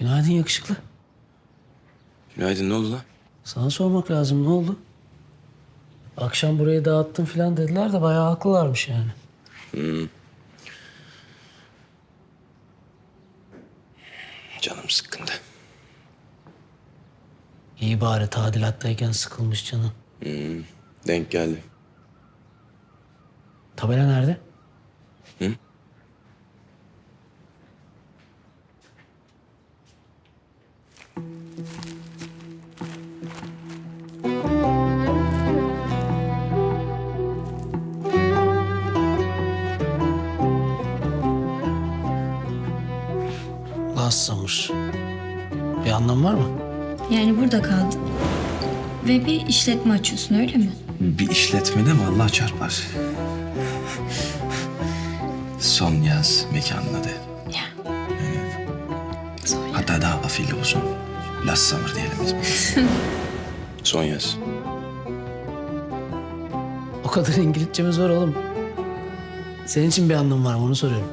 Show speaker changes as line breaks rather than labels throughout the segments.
Günaydın yakışıklı.
Günaydın, ne oldu lan?
Sana sormak lazım, ne oldu? Akşam burayı dağıttın falan dediler de bayağı haklılarmış yani.
Canım sıkkındı.
İyi bari tadilattayken sıkılmış canın.
Denk geldi.
Tabela nerede?
Hı?
Last Summer. Bir anlam var mı?
Yani burada kaldın. Ve bir işletme açıyorsun öyle mi?
Bir işletmede mi Allah çarpar? Son yaz mekanın adı.
Ya.
Hatta daha afilli olsun. Last Summer diyelim biz. Son yaz.
O kadar İngilizcemiz var oğlum. Senin için bir anlam var mı onu soruyorum.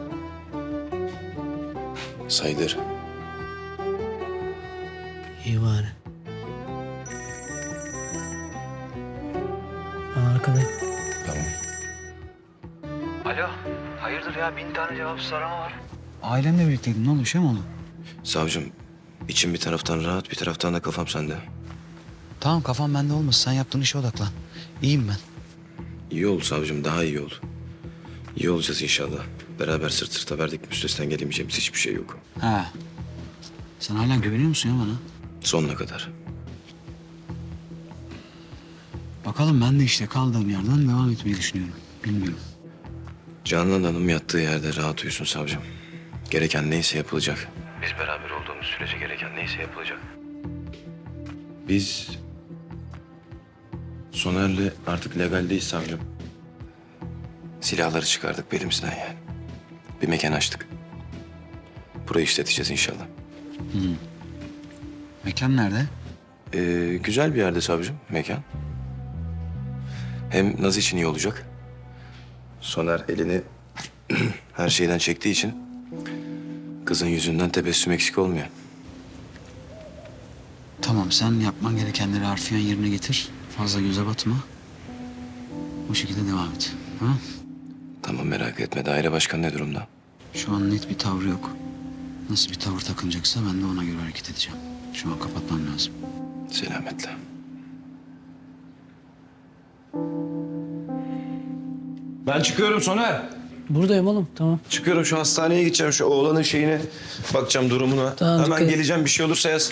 Sayılır.
İyi bari. Ben arkadayım.
Tamam.
Alo, hayırdır ya? 1000 tane cevapsız arama var. Ailemle birlikteydin. Ne oldu? Bir şey mi oldu?
Savcım, içim bir taraftan rahat, bir taraftan da kafam sende.
Tamam, kafam bende olmasın. Sen yaptığın işe odaklan. İyiyim ben.
İyi ol savcım, daha iyi ol. İyi olacağız inşallah. Beraber sırt sırta verdik, üstesinden gelemeyeceğimiz hiçbir şey yok.
Ha. Sen hala güveniyor musun ya bana?
Sonuna kadar.
Bakalım, ben de işte kaldığım yerden devam etmeyi düşünüyorum. Bilmiyorum.
Canan Hanım yattığı yerde rahat uyusun savcım. Gereken neyse yapılacak. Biz beraber olduğumuz sürece gereken neyse yapılacak. Biz Soner'le artık legaldeyiz savcım. Silahları çıkardık belimizden yani. Bir mekan açtık. Burayı işleteceğiz inşallah.
Mekan nerede?
Güzel bir yerde savcım mekan. Hem Naz için iyi olacak. Soner elini her şeyden çektiği için kızın yüzünden tebessüm eksik olmuyor.
Tamam, sen yapman gerekenleri harfiyen yerine getir. Fazla göze batma. O şekilde devam et. Ha?
Tamam merak etme. Daire başkanı ne durumda?
Şu an net bir tavrı yok. Nasıl bir tavır takınacaksa ben de ona göre hareket edeceğim. Şu an kapatmam lazım.
Selametle. Ben çıkıyorum Soner.
Buradayım oğlum, tamam.
Çıkıyorum, şu hastaneye gideceğim. Şu oğlanın şeyine bakacağım, durumuna.
Tamam,
Hemen
dikkat et.
geleceğim, bir şey olursa yaz.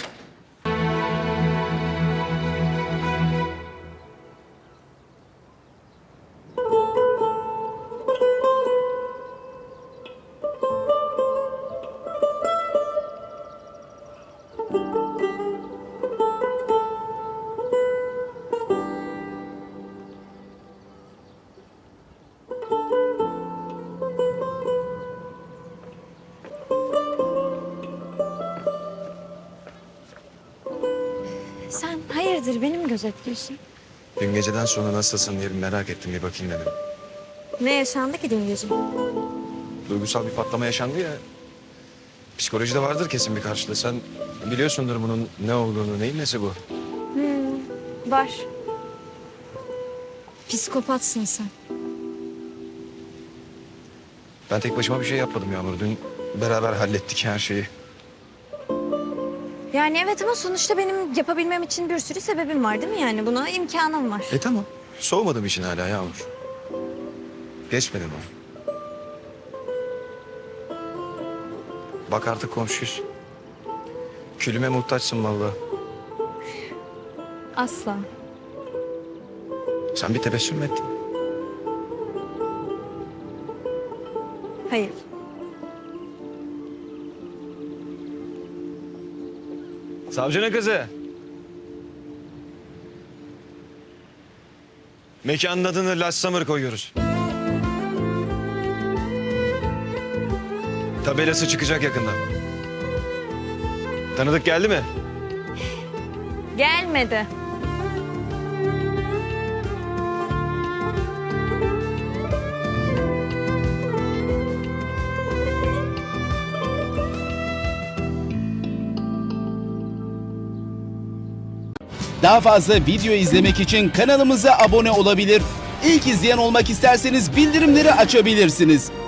Sen hayırdır beni mi gözetliyorsun?
Dün geceden sonra nasılsın diye bir merak ettim, bir bakayım dedim.
Ne yaşandı ki dün gece?
Duygusal bir patlama yaşandı ya. Psikolojide vardır kesin bir karşılığı. Sen biliyorsundur bunun ne olduğunu, neyin nesi bu?
Var. Psikopatsın sen.
Ben tek başıma bir şey yapmadım Yağmur. Dün beraber hallettik her şeyi.
Yani evet ama sonuçta benim yapabilmem için bir sürü sebebim var değil mi yani? Buna imkanım var.
Tamam. Soğumadım için hala Yağmur. Geçmedi mi? Bak artık komşuyuz. Külüme muhtaçsın vallahi.
Asla.
Sen bir tebessüm mü ettin?
Hayır.
Savcının kızı. Mekanın adını Last Summer koyuyoruz. Tabelası çıkacak yakında. Tanıdık geldi mi?
Gelmedi.
Daha fazla video izlemek için kanalımıza abone olabilir. İlk izleyen olmak isterseniz bildirimleri açabilirsiniz.